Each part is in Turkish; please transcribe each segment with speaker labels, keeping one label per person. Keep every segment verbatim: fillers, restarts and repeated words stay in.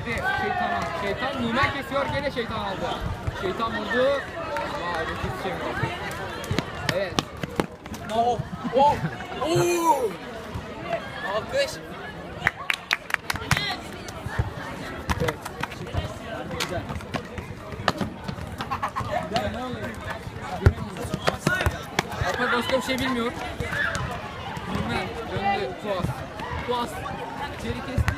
Speaker 1: Verdi şeytana. Şeytan Numen kesiyor, gene şeytan aldı. Şeytan vurdu. Vay bir şey mi? Evet.
Speaker 2: Oh! Oh! Oh! Alkış.
Speaker 1: Evet. Güzel. Güzel ne oluyor? Alpay başka bir şey bilmiyor. Numen döndü. Tuas. Tuas. İçeri kesti.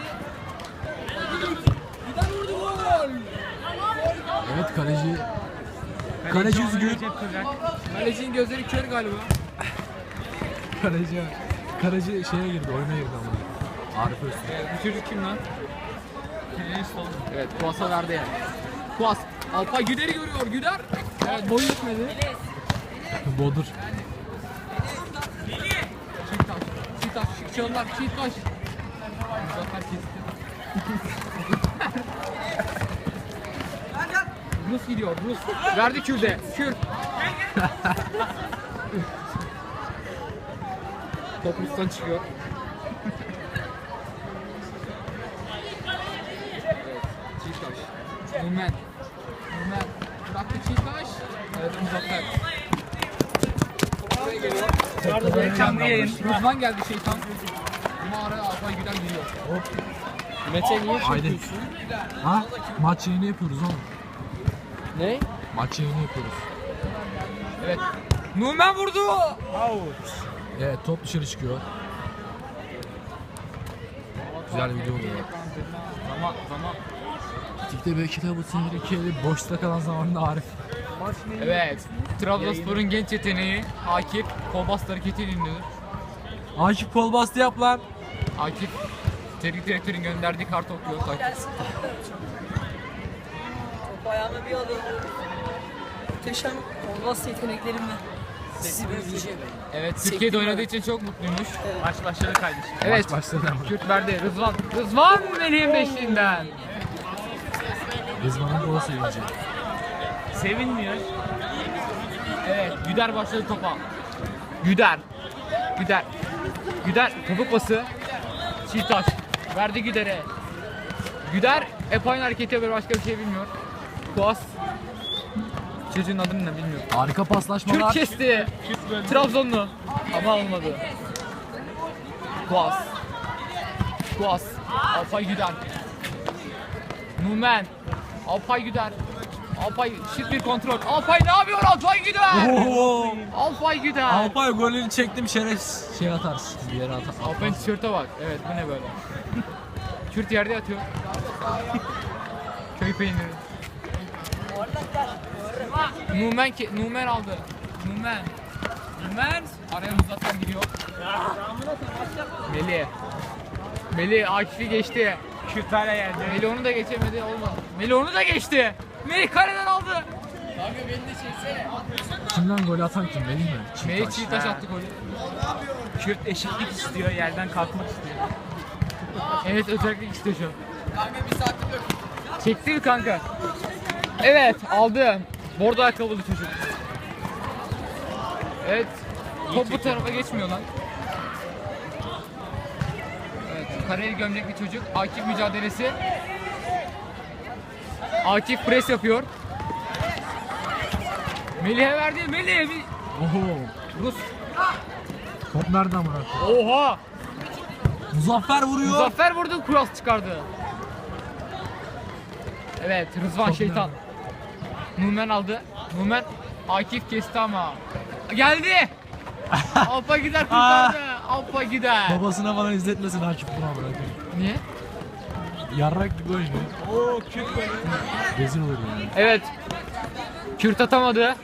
Speaker 1: Giden vurdu gol.
Speaker 3: Evet kaleci. Kaleci üzgün.
Speaker 1: Kalecinin gözleri kör galiba.
Speaker 3: Kaleci. Kaleci şeye girdi, oyuna girdi ama. Arif Öztürk.
Speaker 1: Evet, bu çocuk kim lan? Evet, Tuas'a verdi yani. Tuas. Alpay Güder'i görüyor. Güder. Evet, boyu yetmedi.
Speaker 3: Bodur.
Speaker 1: Çiğtaş. Çiğtaş. Şıkçalılar. Çiğtaş. Muzaffer kesti. Rus gidiyor. Rus. Verdi Kürt'e. Kürt. Top Rus'tan çıkıyor. Evet. Çiğtaş. Numen. Numen. Bıraktı Çiğtaş. Evet, Muzaffer. Buraya geliyor.
Speaker 2: Canlı yayın.
Speaker 1: Rızvan geldi şeytan. Ama araya Alpay Güler giriyor.
Speaker 3: Hop.
Speaker 1: Mete niye
Speaker 3: Haydi.
Speaker 1: çekiyorsun?
Speaker 3: Ha? Maç yayını yapıyoruz oğlum.
Speaker 1: Ne?
Speaker 3: Maç yayını yapıyoruz.
Speaker 1: Evet. Numen vurdu.
Speaker 3: Evet, top dışarı çıkıyor. Güzel bir video oluyor.
Speaker 1: Zaman zaman.
Speaker 3: Tikte belki de bu tehlikeli boşta kalan zamanda Arif.
Speaker 1: Evet. Trabzonspor'un genç yeteneği Akif Kolbast hareketiyle ünlüdür.
Speaker 3: Akif kol bastı yap lan.
Speaker 1: Akif teknik direktörün gönderdiği kartı okuyor. Takip.
Speaker 2: Top ayağıma bir alayım. Muhteşem olmaz yeteneklerimle. Sizi büyüleyeceğim.
Speaker 1: Evet, Türkiye'de oynadığı için çok mutluymuş.
Speaker 4: Maç başladı kardeşim.
Speaker 1: Evet.
Speaker 3: Maç başladı ama.
Speaker 1: Kürt verdi. Rızvan. Rızvan Melih'in beşliğinden.
Speaker 3: Rızvan'ın gol sevinci.
Speaker 4: Sevinmiyor.
Speaker 1: Evet, Güder başladı topa. Güder. Güder. Güder topuk pası. Çiğtaş. Verdi Güder'e. Güder hep aynı hareketi yapıyor, başka bir şey bilmiyor. Kuas. Çocuğun adını ne bilmiyorum.
Speaker 3: Harika
Speaker 1: Kürt
Speaker 3: paslaşmalar.
Speaker 1: kesti. Trabzonlu. Ama olmadı. Kuas. Kuas. Alpay Güder. Numen. Alpay Güder. Alpay şık bir kontrol. Alpay ne yapıyor Alpay Güder?
Speaker 3: Oho.
Speaker 1: Alpay Güder.
Speaker 3: Alpay golünü çektim, şeref şey atarsın. Bir yere atar.
Speaker 1: Alpay'ın tişörte bak. Evet, bu ne böyle? Kürt yerde yatıyor. Köy peyniri. Numen ki Numen aldı. Numen. Numen araya Muzaffer giriyor. Melih. Melih Akif'i geçti.
Speaker 4: Kürt hala yerde.
Speaker 1: Melih onu da geçemedi, olmadı. Melih onu da geçti. Melih kareden aldı.
Speaker 3: Kimden gol atan kim? Melih mi? Çiğtaş.
Speaker 1: Melih Çiğtaş attı golü.
Speaker 4: Kürt eşitlik istiyor, yerden kalkmak istiyor.
Speaker 1: Evet, özellikle istiyor şu an. Çekti mi kanka? Evet, aldı. Bordo ayakkabılı çocuk. Evet, top bu tarafa geçmiyor lan. Evet, kareli gömlekli çocuk. Akif mücadelesi. Akif pres yapıyor. Melih'e verdi. Melih'e bir...
Speaker 3: Oho.
Speaker 1: Rus.
Speaker 3: Top nereden bıraktı?
Speaker 1: Oha!
Speaker 3: Muzaffer vuruyor.
Speaker 1: Muzaffer vurdu, cross çıkardı. Evet, Rızvan
Speaker 3: Top
Speaker 1: şeytan. Numen aldı. Numen Akif kesti ama. Geldi. Alpa gider kurtardı. Alpa gider.
Speaker 3: Babasına bana izletmesin Akif buna bırakıyor.
Speaker 1: Niye?
Speaker 3: Yarrak gibi oynuyor.
Speaker 4: Oo Kürt böyle.
Speaker 3: Rezil olur yani.
Speaker 1: Evet. Kürt atamadı.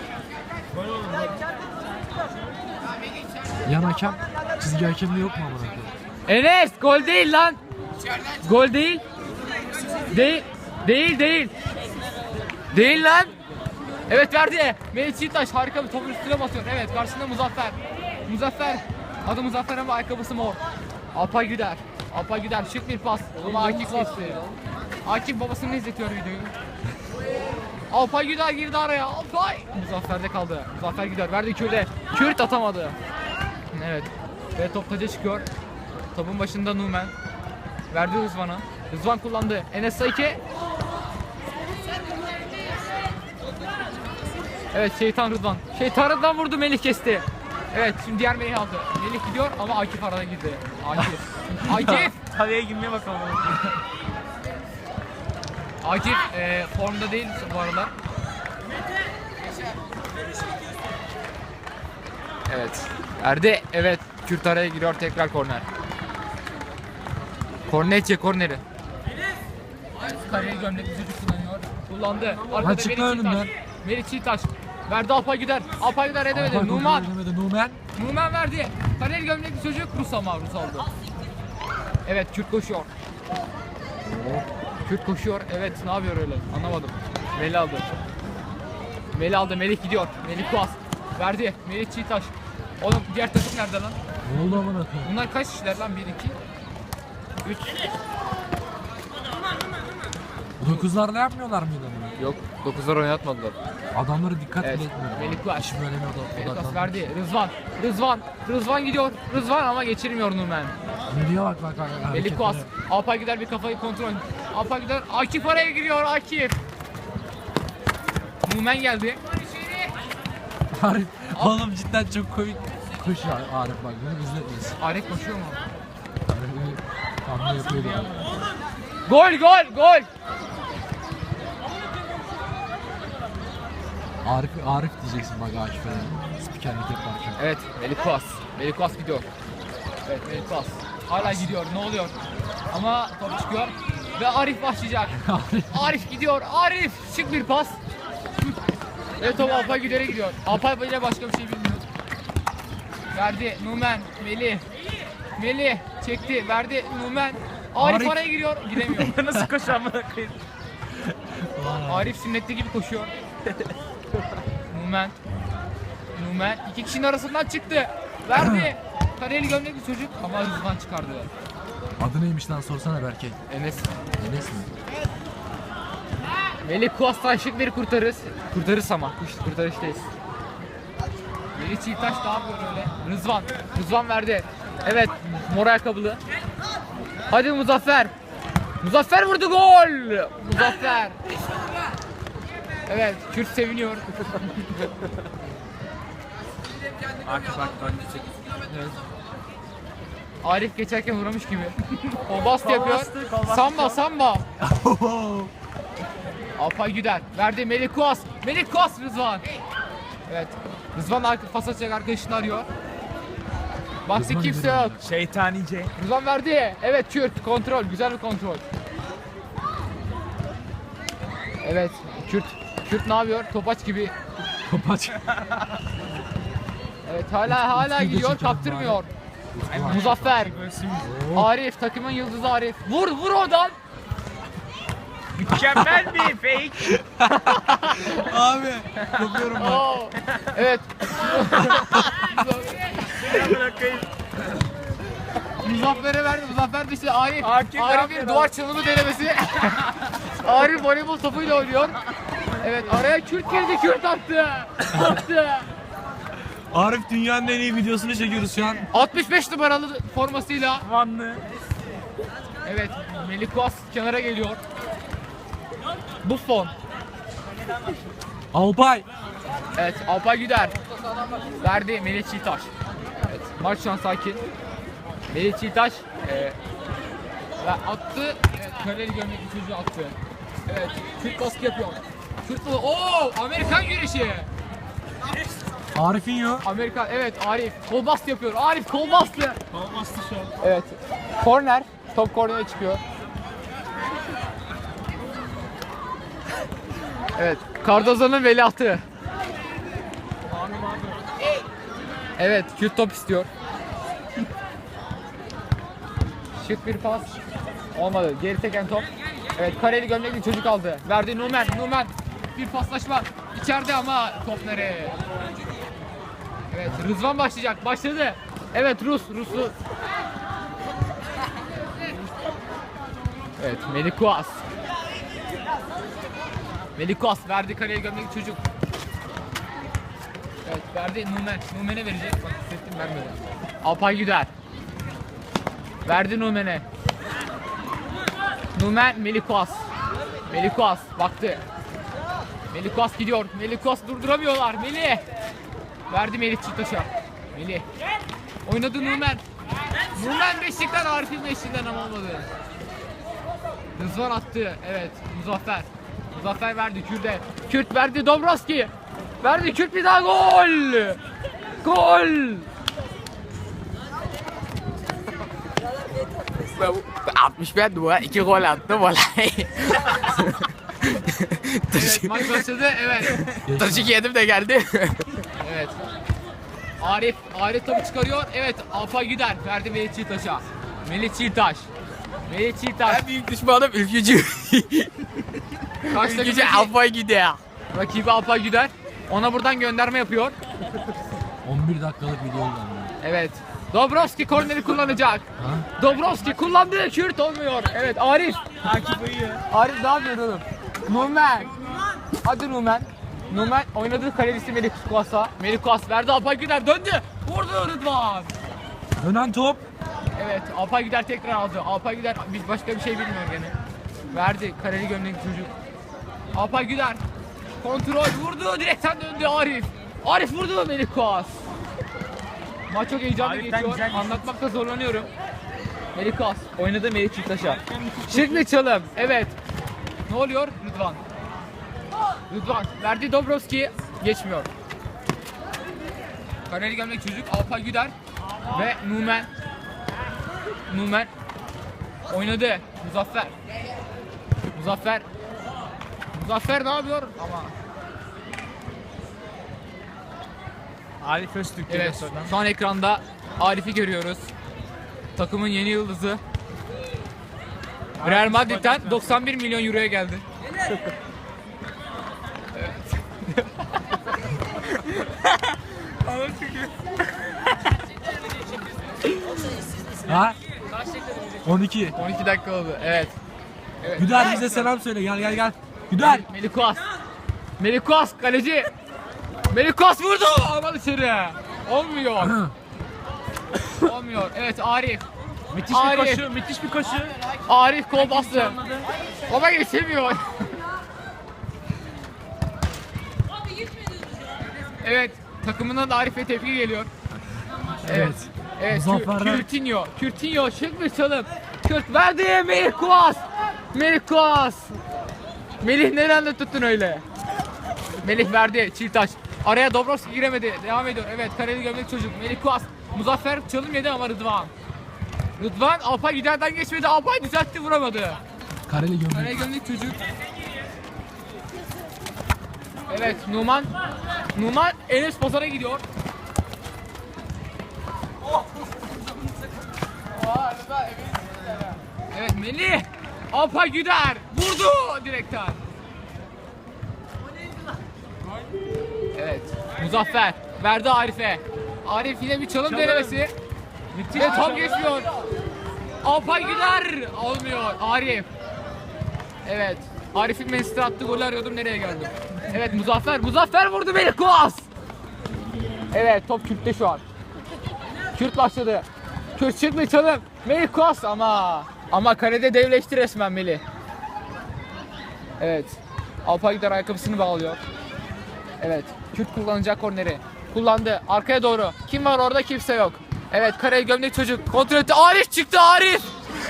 Speaker 3: Yan hakem, çizgi hakemliği yok mu amına koyayım?
Speaker 1: Enes gol değil lan. Gol değil. Değil. Değil değil. Değil lan. Evet verdi. Melih Çiğtaş harika bir topun üstüne basıyor. Evet karşısında Muzaffer. Muzaffer. Adı Muzaffer ama ayakkabısı mor. Alpay Güder. Alpay Güder şık bir pas. Ama Akif kesti. Akif babasını izletiyor videoyu. Alpay Güder girdi araya. Alpay. Muzaffer'de kaldı. Muzaffer Güder verdi Kürt'e. Kürt atamadı. Evet. Ve top taca çıkıyor. Topun başında Numen. Verdi Rızvan'a. Rızvan kullandı. Enes Saike. Evet şeytan Rıdvan. Şeytan Rıdvan vurdu, Melih kesti. Evet şimdi diğer Melih aldı. Melih gidiyor ama Akif arada girdi. Akif. Akif.
Speaker 4: Tavaya girmeye bakalım.
Speaker 1: Akif e, formda değil bu aralar. Evet. Erdi. Evet. Kürt araya giriyor, tekrar korner. Korner çek korneri. Kareli gömlekli çocuk kullanıyor. Kullandı. Arkada
Speaker 3: çık
Speaker 1: Melih
Speaker 3: önümden.
Speaker 1: Çiğtaş. Melih Çiğtaş. Verdi Alpay Güder. Alpay Güder edemedi.
Speaker 3: Alpay
Speaker 1: Numan.
Speaker 3: kontrol edemedi. Numan.
Speaker 1: Numan verdi. Kareli gömlekli çocuk Rus ama Rus aldı. Evet Kürt koşuyor. Kürt koşuyor. Evet ne yapıyor öyle? Anlamadım. Melih aldı. Melih aldı. Melih gidiyor. Melih Kuas. Verdi. Melih Çiğtaş. Oğlum diğer takım nerede lan?
Speaker 3: Ne oldu amına koyayım?
Speaker 1: Bunlar kaç kişiler lan? bir, iki, üç.
Speaker 3: Dokuzlarda yapmıyorlar mıydı amına?
Speaker 1: Yok. dokuzlar oynatmadılar.
Speaker 3: Adamlara dikkat
Speaker 1: Evet.
Speaker 3: bile etmiyor.
Speaker 1: Melih Kuas.
Speaker 3: İşi böyle mi odak-
Speaker 1: Melih Kuas
Speaker 3: odaklan?
Speaker 1: verdi. Rızvan. Rızvan. Rızvan gidiyor. Rızvan ama geçirmiyor Numan.
Speaker 3: Melih'e bak bak bak.
Speaker 1: Melih
Speaker 3: hareketlere.
Speaker 1: Kuas. Alpay gider bir kafayı kontrol. Alpay gider. Akif araya giriyor. Akif. Numan geldi.
Speaker 3: Arif. Oğlum cidden çok komik. Koşuyor Arif bak. Bunu izletmeyiz.
Speaker 1: Arif koşuyor mu?
Speaker 3: Arif'i hamle yapıyordu.
Speaker 1: Gol gol gol.
Speaker 3: Arif, Arif diyeceksin bak Akif'e. Spikerlik yaparken.
Speaker 1: Evet Melih Kuas. Melih Kuas gidiyor. Evet Melih Kuas. Hala gidiyor. Ne oluyor? Ama top çıkıyor. Ve Arif başlayacak. Arif gidiyor. Arif. Şık bir pas. Ve top Alpay Güder'e gidiyor. Alpay ile başka bir şey bilmiyor. Verdi. Numan. Melih. Melih. Çekti. Verdi. Numan. Arif,
Speaker 3: Arif.
Speaker 1: araya giriyor. Giremiyor.
Speaker 4: Nasıl koşar amına koyayım?
Speaker 1: Arif sünnetli gibi koşuyor. Numan. Numan. İki kişinin arasından çıktı. Verdi. Kareli gömlekli çocuk ama Rızvan çıkardı.
Speaker 3: Adı neymiş lan sorsana Berke.
Speaker 1: Enes.
Speaker 3: Enes mi?
Speaker 1: Melih Kuas'tan şık bir kurtarız. Kurtarız ama. Kuş- Kurtarıştayız. Melih Çiğtaş ne yapıyor öyle? Rızvan. Rızvan verdi. Evet. Mor ayakkabılı. Hadi Muzaffer. Muzaffer vurdu gol. Muzaffer. Evet. Kürt seviniyor.
Speaker 4: Akif bak bak.
Speaker 1: Evet. Arif geçerken uğramış gibi. O bast yapıyor.
Speaker 4: bastı, kol bastı
Speaker 1: Samba
Speaker 4: şu an.
Speaker 1: samba. Alpay Güder. Verdi Melih Kuas. Melih Kuas Rızvan. Evet. Rızvan arka, pas atacak arkadaşını arıyor. Baktı
Speaker 3: Rızvan
Speaker 1: kimse
Speaker 3: gidiyor.
Speaker 1: yok.
Speaker 4: Şeytanice.
Speaker 1: Rızvan verdi. Evet Kürt kontrol. Güzel bir kontrol. Evet Kürt. Kürt ne yapıyor? Topaç gibi.
Speaker 3: Topaç.
Speaker 1: Evet hala hala
Speaker 3: Utku'yu da
Speaker 1: gidiyor,
Speaker 3: çekelim
Speaker 1: kaptırmıyor.
Speaker 3: Var.
Speaker 1: Muzaffer. Arif takımın yıldızı Arif. Vur vur oradan.
Speaker 4: Mükemmel bir fake.
Speaker 3: Abi. Kopuyorum ben.
Speaker 1: Oo. Evet.
Speaker 4: Amına koyayım.
Speaker 1: Muzaffer'e verdi. Muzaffer dışı Arif.
Speaker 4: Akif ne
Speaker 1: Arif'in
Speaker 4: yapıyor
Speaker 1: duvar çalımı denemesi. Arif voleybol topuyla oynuyor. Evet araya Kürt girdi. Kürt attı. Attı.
Speaker 3: Arif dünyanın en iyi videosunu çekiyoruz şu an.
Speaker 1: altmış beş numaralı formasıyla.
Speaker 4: Vanlı.
Speaker 1: Evet Melih Kuas kenara geliyor. Buffon.
Speaker 3: Alpay.
Speaker 1: Evet Alpay Güder. Verdi Melih Çiğtaş. Evet maç şu an sakin. Melih Çiğtaş e, ve attı. Evet kareli gömlekli çocuğu attı. Evet Kürt baskı yapıyor. Kürt baskı. Oo Amerikan güreşi.
Speaker 3: Arif'in yok.
Speaker 1: Amerikan evet Arif kol bastı yapıyor. Arif kol bastı.
Speaker 4: Kol bastı şu an.
Speaker 1: Evet. Korner. Top kornere çıkıyor. Evet. Cardoza'nın veliahtı. Evet. Kürt top istiyor. Şık bir pas. Olmadı. Geri teken top. Evet. Kareli gömlekli çocuk aldı. Verdi Numan. Numan. Bir paslaşma. İçeride ama top nereye? Evet. Rızvan başlayacak. Başladı. Evet. Rus. Ruslu. Evet Melih Kuas. Melih Kuas verdi kareye gömlekli çocuk. Evet verdi Numan. Numan'e verecek. Bak hissettim vermedi. Alpay Güder. Verdi Numan'e. Numen, Melih Kuas. Melih Kuas baktı. Melih Kuas gidiyor. Melih Kuas durduramıyorlar. Melih. Verdi Melih Çiğtaş'a. Melih. Oynadı Numen. Numen beşlikten, Arif'in beşliğinden ama olmadı. Rızvan attı. Evet. Muzaffer. Muzaffer verdi Kürt'e. Kürt verdi Dobrovski. Verdi Kürt, bir daha gol. Gol. altmış bir dua iki gol attı vallahi. Evet, maç başladı. Evet. Taşık yedim de geldi. Evet. Arif, Arif topu çıkarıyor. Evet, Alpay Güder verdi Melih Çiğtaş'a. Melih Çiğtaş. Melih Çiğtaş.
Speaker 5: En büyük düşmanım ülkücü.
Speaker 1: Karşıdaki
Speaker 5: Ülkücü Alpay Güder.
Speaker 1: rakibi Alpay Güder. Ona buradan gönderme yapıyor.
Speaker 3: on bir dakikalık video oldu.
Speaker 1: Evet. Dobrovski korneri kullanacak.
Speaker 3: Ha?
Speaker 1: Dobrovski kullandı. Kürt olmuyor. Evet, Arif.
Speaker 4: Akif uyuyor.
Speaker 1: Arif ne yapıyor oğlum? Numen. Hadi Numen. Numen oynadığı kalecisi Melih Kuas'a. Melih Kuas verdi, Alpay Güder döndü. Vurdu Rıdvan.
Speaker 3: Dönen top.
Speaker 1: Evet, Alpay Güder tekrar aldı. Alpay Güder biz başka bir şey bilmiyor gene. Verdi kareli gömlekli çocuk. Alpay Güder kontrol vurdu, direkten döndü Arif. Arif vurdu, Melih Kuas. Maç çok heyecanlı
Speaker 4: Arif'ten
Speaker 1: geçiyor.
Speaker 4: güzel bir şut.
Speaker 1: Anlatmakta zorlanıyorum. Melih Kuas oynadı Melih Çiğtaş'a. Şimdi çalım. Evet. Ne oluyor? Rıdvan. Rıdvan verdi Dobrovski, geçmiyor. Kareli gömlek çocuk Alpay Güder ve Numen. Numen oynadı. Muzaffer. Muzaffer. Muzaffer ne yapıyor? Ama
Speaker 4: Arif Öztürk geliyor
Speaker 1: evet,
Speaker 4: sonradan.
Speaker 1: şu an ekranda Arif'i görüyoruz. Takımın yeni yıldızı. Real Madrid'den doksan bir milyon euroya geldi.
Speaker 3: Ha? on iki.
Speaker 1: on iki dakika oldu. Evet. Evet.
Speaker 3: Güder bize selam söyle. Gel gel gel. Güder.
Speaker 1: Melih Kuas. Melih Kuas kaleci. Melih Kuas vurdu ama dışarı. Olmuyor. Olmuyor. Evet, Arif.
Speaker 4: Müthiş
Speaker 1: Arif.
Speaker 4: bir koşu, müthiş bir koşu.
Speaker 1: Arif kol bastı. Ama geçemiyor. Evet, takımından da Arif'e tepki geliyor. Evet. Evet,
Speaker 3: Muzaffer'den-
Speaker 1: Kürtinho. Kürtinho şık bir çalım. Kürt verdi, Melih Kuas. Melih Kuas. Melih nereden tuttun öyle? Melih verdi, Çiğtaş. Araya Dobrovski giremedi. Devam ediyor. Evet, kareli gömlek çocuk. Melih Kuas. Muzaffer çalım yedi ama Rıdvan. Rıdvan Alpay Güder'den geçmedi. Alpay düzeltti, vuramadı.
Speaker 3: Kareli gömlek.
Speaker 1: Kareli gömlek çocuk. Evet, Numan. Numan Enes Pazar'a gidiyor. Evet, Melih. Alpay Güder vurdu direkten. Evet, Muzaffer verdi Arif'e. Arif yine bir çalım denemesi. Ve tam geçmiyor. Alpay Güder olmuyor. Arif. Evet. Arif'in Manchester attığı golü arıyordum, nereye geldim? Evet, Muzaffer. Muzaffer vurdu, Melih Kuas. Evet, top Kürt'te şu an. Kürt başladı. Kürt çıktı çalım. Melih Kuas ama ama kalede devleşti resmen Melih. Evet. Alpay Güder ayakkabısını bağlıyor. Evet. Kürt kullanacak korneri. Kullandı. Arkaya doğru. Kim var orada? Kimse yok. Evet. Kareli gömlek çocuk. Kontrol etti. Arif çıktı. Arif.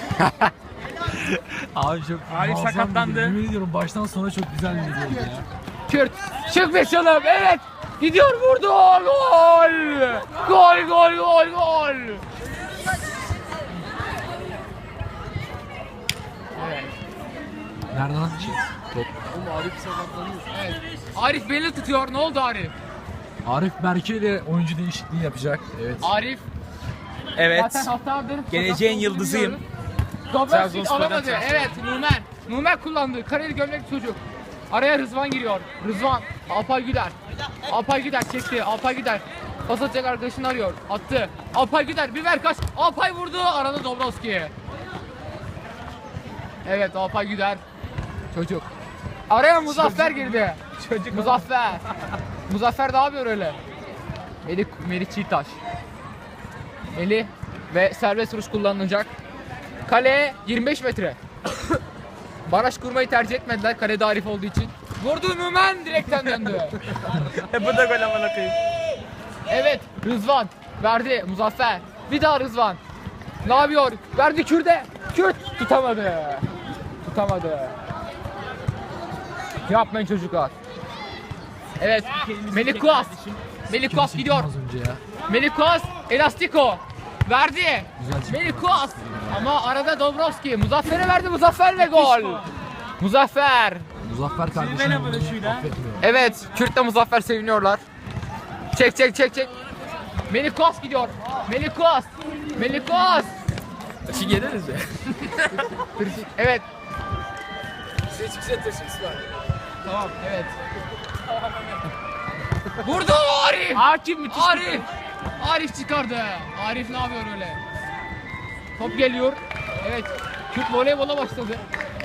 Speaker 3: Abi çok
Speaker 4: Arif
Speaker 3: muazzam bir
Speaker 4: sakatlandı.
Speaker 3: video. Yemin ediyorum baştan sona çok güzel bir videoydu ya.
Speaker 1: Kürt. Çık bir çalım. Evet. Gidiyor, vurdu. Gol. Gol gol gol gol. Evet.
Speaker 3: Nereden? Top.
Speaker 1: Evet. Arif beni tutuyor. Ne oldu Arif?
Speaker 3: Arif Berke ile oyuncu değişikliği yapacak. Evet.
Speaker 1: Arif
Speaker 4: Evet.
Speaker 1: zaten haftalardır
Speaker 4: Geleceğin
Speaker 1: sakatlığı
Speaker 4: yıldızıyım.
Speaker 1: biliyoruz. Dobrovski
Speaker 4: Trabzonspor'dan
Speaker 1: alamadı.
Speaker 4: transfer.
Speaker 1: Evet, Numen. Numen kullandı. Kareli gömlek çocuk. Araya Rızvan giriyor. Rızvan. Alpay Güder. Alpay Güder çekti. Alpay Güder. Pas atacak arkadaşını arıyor. Attı. Alpay Güder bir ver kaç. Alpay vurdu. Arada Dobrovski. Evet, Alpay Güder. Çocuk. Araya Muzaffer girdi.
Speaker 4: Çocuk.
Speaker 1: Muzaffer. Muzaffer ne yapıyor öyle? Melih, Melih Çiğtaş. Melih ve serbest vuruş kullanılacak. Kale yirmi beş metre. Baraj kurmayı tercih etmediler kalede Arif olduğu için. Vurdu Numan direkten döndü.
Speaker 4: Bu da gol amına koyayım.
Speaker 1: Evet Rızvan verdi Muzaffer. Bir daha Rızvan. Ne yapıyor? Verdi Kürt'e. Kürt tutamadı. Tutamadı. Yapmayın çocuklar. Evet Melih Kuas. Melih Kuas gidiyor.
Speaker 3: Az önce ya.
Speaker 1: Melih Kuas Elastiko. Verdi.
Speaker 3: Güzel çıktı.
Speaker 1: Melih Kuas. Ama arada Dobrovski. Muzaffer'e verdi Muzaffer ve gol. Muzaffer.
Speaker 3: Muzaffer kardeşim
Speaker 4: Sizin
Speaker 3: bunu
Speaker 4: böyle şuyla.
Speaker 3: affetmiyor.
Speaker 1: Evet Kürt'le Muzaffer seviniyorlar. Çek çek çek çek. Melih Kuas gidiyor. Melih Kuas. Melih Kuas.
Speaker 5: Taşı geliriz ya.
Speaker 1: Evet.
Speaker 5: Size çıksa taşı var.
Speaker 1: Tamam evet. Vurdu Arif.
Speaker 4: Hakim müthiş.
Speaker 1: Arif. Arif çıkardı. Arif ne yapıyor öyle? Top geliyor. Evet. Kürt voleybola başladı.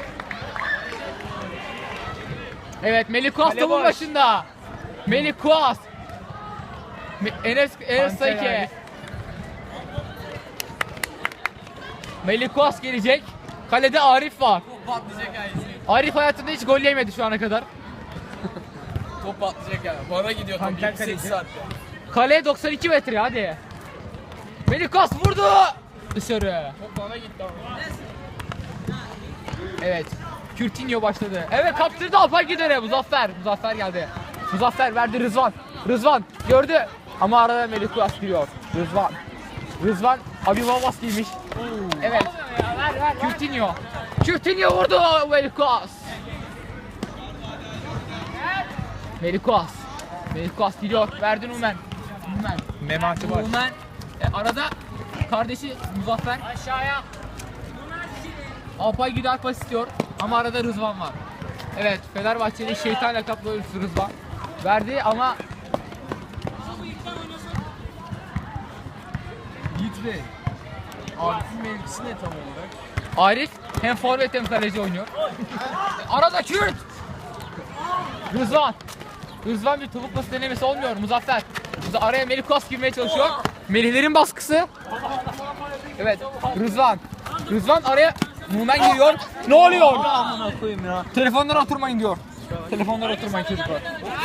Speaker 1: Evet Melih Kuas
Speaker 4: Kale
Speaker 1: topun
Speaker 4: boş.
Speaker 1: başında. Melih Kuas. Me- Enes Enes
Speaker 4: Panter
Speaker 1: Sayke.
Speaker 4: Arif.
Speaker 1: Melih Kuas gelecek. Kalede Arif var.
Speaker 5: Top patlayacak yani.
Speaker 1: Arif hayatında hiç gol yemedi şu ana kadar.
Speaker 5: Top patlayacak yani. Bana gidiyor top
Speaker 4: Panter
Speaker 5: yirmi sekiz
Speaker 4: kaleci.
Speaker 5: saatte.
Speaker 1: Kale doksan iki metre hadi. Melih Kuas vurdu. Dışarı.
Speaker 5: Top bana gitti ama.
Speaker 1: Evet. Kürtinho başladı. Evet kaptırdı Alpay Gider'e. Muzaffer. Muzaffer geldi. Muzaffer verdi Rızvan. Rızvan gördü. Ama arada Melih Kuas giriyor. Rızvan. Rızvan abi babas giymiş. Evet. Kürtinho. Kürtinho vurdu Melih Kuas. Melih Kuas. Melih Kuas gidiyor. Verdi Numen. Numen.
Speaker 4: Memati var.
Speaker 1: Numen. E, arada kardeşi Muzaffer. Aşağıya. Alpay Güder pas istiyor ama arada Rızvan var. Evet Fenerbahçe'nin şeytan lakaplı oyuncusu Rızvan. Verdi ama
Speaker 3: Yiğit Bey. Arif'in mevkisi ne tam olarak?
Speaker 1: Arif hem forvet hem kaleci oynuyor. Arada Kürt. Rızvan. Rızvan bir topuk pası denemesi olmuyor. Muzaffer. Muza- Araya Melih Kuas girmeye çalışıyor. Melihlerin baskısı. Evet Rızvan. Rızvan araya Numen giriyor. Ne oluyor?
Speaker 4: Amına koyayım ya.
Speaker 1: Telefonlara oturmayın diyor. Telefonlara oturmayın çocuklar.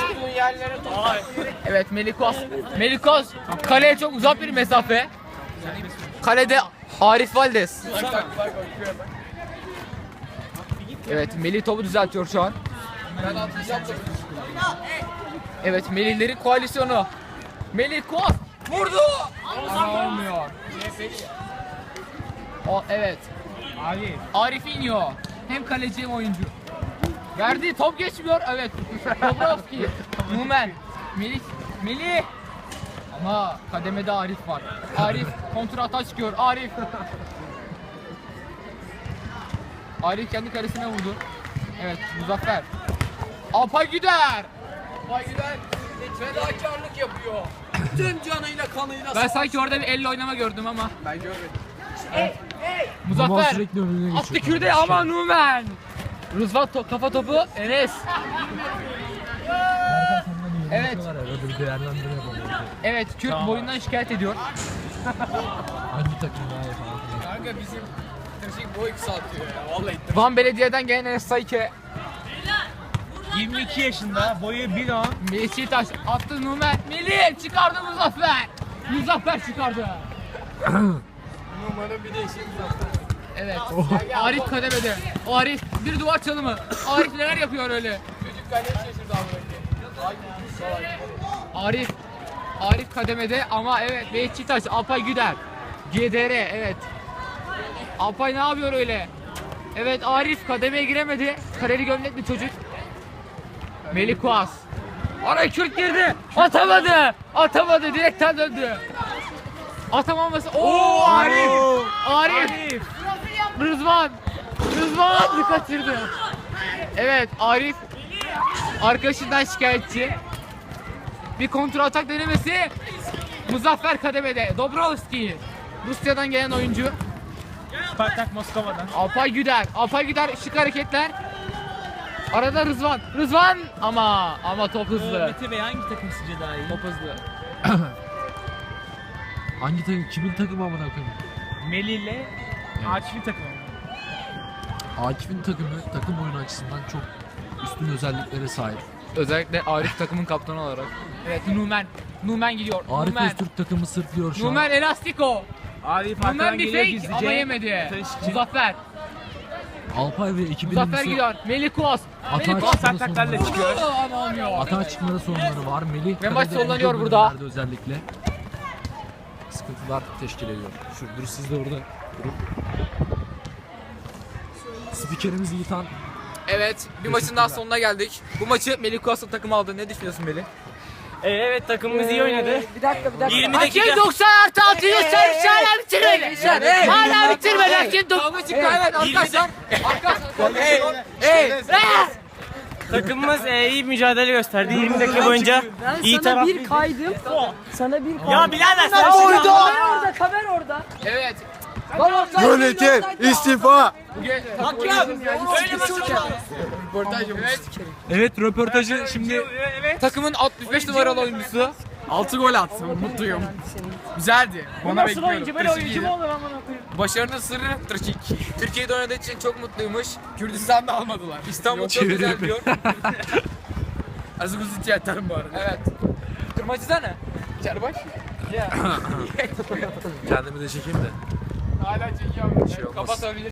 Speaker 1: Evet Melih Kuas. Melih Kuas kaleye çok uzak bir mesafe. Kalede Arif Valdes. Evet Melih topu düzeltiyor şu an. Evet Melihlerin koalisyonu. Melih Kuas vurdu. Ama olmuyor. O, evet.
Speaker 4: Arif.
Speaker 1: Arif iniyor. Hem kaleci hem oyuncu. Verdi top geçmiyor. Evet. Dobrovski. Numen. Melih. Melih. Ama kademede Arif var. Arif kontrata çıkıyor. Arif. Arif kendi kalesine vurdu. Evet Muzaffer. Alpay Güder.
Speaker 5: Vay gider. Fedakarlık yapıyor. Tüm canıyla kanıyla.
Speaker 1: Ben sanki orada bir elle oynama gördüm ama.
Speaker 5: Ben görmedim.
Speaker 3: Baba
Speaker 1: Muzaffer.
Speaker 3: sürekli önüne
Speaker 1: Attı
Speaker 3: geçiyor.
Speaker 1: kürde ama Numen. Rızvan to- kafa topu Enes. Evet.
Speaker 3: Arada bir değerlendirme yapalım.
Speaker 1: Evet Kürt boyundan şikayet ediyor.
Speaker 3: Hangi takım daha iyi falan.
Speaker 5: Kanka bizim taşık boy kısaltıyor ya. Vallahi.
Speaker 1: Van Belediye'den gelen Enes Sayke.
Speaker 4: yirmi iki yaşında, boyu bir on.
Speaker 1: Beşiktaş attı Numen. Melih çıkardı Muzaffer. Muzaffer çıkardı.
Speaker 5: Numara'nın bir de işi uzakta.
Speaker 1: Evet. Arif kademede. O Arif bir duvar çalımı. Arif neler yapıyor öyle?
Speaker 5: Çocuk kaleye şaşırdı abi.
Speaker 1: Arif. Arif kademede ama evet Beşiktaş Alpay Güder. G D R evet. Alpay ne yapıyor öyle? Evet Arif kademeye giremedi. Kareli gömlekli çocuk. Melih Kuas. Araya Kürt girdi. Atamadı. Atamadı. Direkten döndü. Atamaması. Oo Arif. Arif. Rızvan. Rızvan kaçırdı. Evet Arif arkadaşından şikayetçi. Bir kontrol atak denemesi. Muzaffer kademede. Dobrovski. Rusya'dan gelen oyuncu.
Speaker 4: Spartak Moskova'dan.
Speaker 1: Alpay Güder. Alpay Güder şık hareketler. Arada Rızvan. Rızvan ama ama top hızlı.
Speaker 4: Mete Bey hangi takım sizce daha iyi?
Speaker 1: Top hızlı.
Speaker 3: Hangi takım? Kimin takımı amına koyayım?
Speaker 4: Melih ile Akif'in takımı.
Speaker 3: Akif'in takımı takım oyunu açısından çok üstün özelliklere sahip.
Speaker 1: Özellikle Arif takımın kaptanı olarak. Evet Numen. Numen gidiyor.
Speaker 3: Arif
Speaker 1: Numen.
Speaker 3: Öztürk takımı sırtlıyor şu an.
Speaker 1: Numen Elastiko.
Speaker 4: Arif
Speaker 1: Numen
Speaker 4: arkadan
Speaker 1: bir
Speaker 4: geliyor
Speaker 1: fake
Speaker 4: gizlice.
Speaker 1: ama yemedi.
Speaker 4: Taşçı.
Speaker 1: Muzaffer.
Speaker 3: Alpay ve ekibi
Speaker 1: Muzaffer gidiyor. Melih Kuos. Melih
Speaker 3: Atağa
Speaker 1: Kuos.
Speaker 3: çıkmada
Speaker 4: taklarla
Speaker 3: sorunları
Speaker 4: çıkıyor.
Speaker 3: var.
Speaker 1: Ama olmuyor.
Speaker 3: Atağa çıkmada sorunları var. Melih
Speaker 1: Ve maç
Speaker 3: kalede
Speaker 1: sollanıyor
Speaker 3: ilk
Speaker 1: burada.
Speaker 3: bölümlerde özellikle sıkıntılar teşkil ediyor. Şu dur siz de orada durun. Spikerimiz Yiğitan.
Speaker 1: Evet, bir maçın daha sonuna geldik. Bu maçı Melih Kuos'un takımı aldı. Ne düşünüyorsun Melih?
Speaker 2: Ee,
Speaker 4: evet takımımız iyi oynadı.
Speaker 2: Bir dakika bir dakika.
Speaker 4: yirmi dakika.
Speaker 1: Hakem doksan artı altı yüz servis hala bitirmedi. Hala bitirmedi. Hakem doksan çıktı. Evet, arkadaşlar. Arkadaşlar. Hey, hey.
Speaker 6: Takımımız e, iyi mücadele gösterdi. yirmi dakika boyunca
Speaker 2: Ben
Speaker 6: iyi
Speaker 2: sana
Speaker 6: taraf.
Speaker 2: bir kaydım. Sana bir kaydım.
Speaker 6: Ya birader sen
Speaker 2: Kamer
Speaker 6: şimdi-
Speaker 2: orada, kamer orada.
Speaker 1: Evet.
Speaker 5: Yönetim istifa.
Speaker 1: Evet.
Speaker 3: Evet röportajı şimdi
Speaker 1: Takımın altmış beş numaralı oyuncusu.
Speaker 5: altı gol attım. Mutluyum. Güzeldi. Bana
Speaker 6: Nasıl
Speaker 5: bekliyorum.
Speaker 6: oyuncu böyle oyuncu mu olur amına koyayım?
Speaker 1: Başarının sırrı Trikik. Türkiye'de oynadığı için çok mutluymuş.
Speaker 5: Kürdistan'da almadılar.
Speaker 1: İstanbul çok güzel diyor.
Speaker 5: Az kuzu tiyatarım bu arada.
Speaker 1: Evet. Kırmacıda ne? Çarbaş.
Speaker 3: kendimi de çekeyim de.
Speaker 1: Hala çekiyorum.
Speaker 3: şey olmaz.
Speaker 1: Kapatabilir.